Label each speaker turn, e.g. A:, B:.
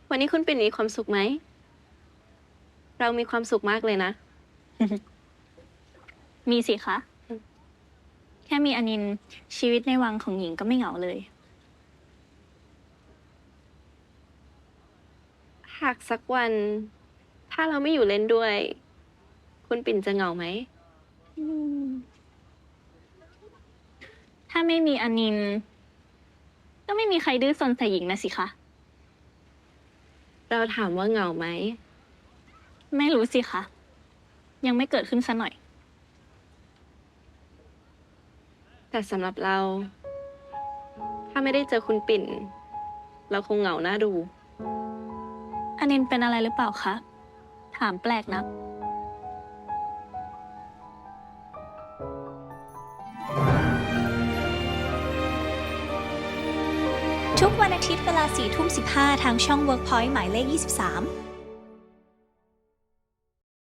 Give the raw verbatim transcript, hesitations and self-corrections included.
A: วันนี้คุณปิ่นมีความสุขไหม เรามีความสุขมากเลยนะ
B: มีสิคะ
A: อืม
B: แค่มีอนินท์ชีวิตในวังของหญิงก็ไม่เหงาเลย
A: หากสักวัน ถ้าเราไม่อยู่เล่นด้วย คุณปิ่นจะเหงาไหม
B: ถ้าไม่มีอนินท์ก็ไม่มีใครดื้อซนใส่หญิงนะสิคะ
A: เราถามว่าเหงาไหม
B: ไม่รู้สิคะ ยังไม่เกิดขึ้นซะหน่อย
A: แต่สำหรับเรา ถ้าไม่ได้เจอคุณปิ่น เราคงเหงาหน้าดู
B: อนินท์เป็นอะไรหรือเปล่าคะ ถามแปลกนะ
C: ทุกวันอาทิตย์เวลาสี่ทุ่มสิบห้าทางช่อง เวิร์กพอยต์ หมายเลขยี่สิบสาม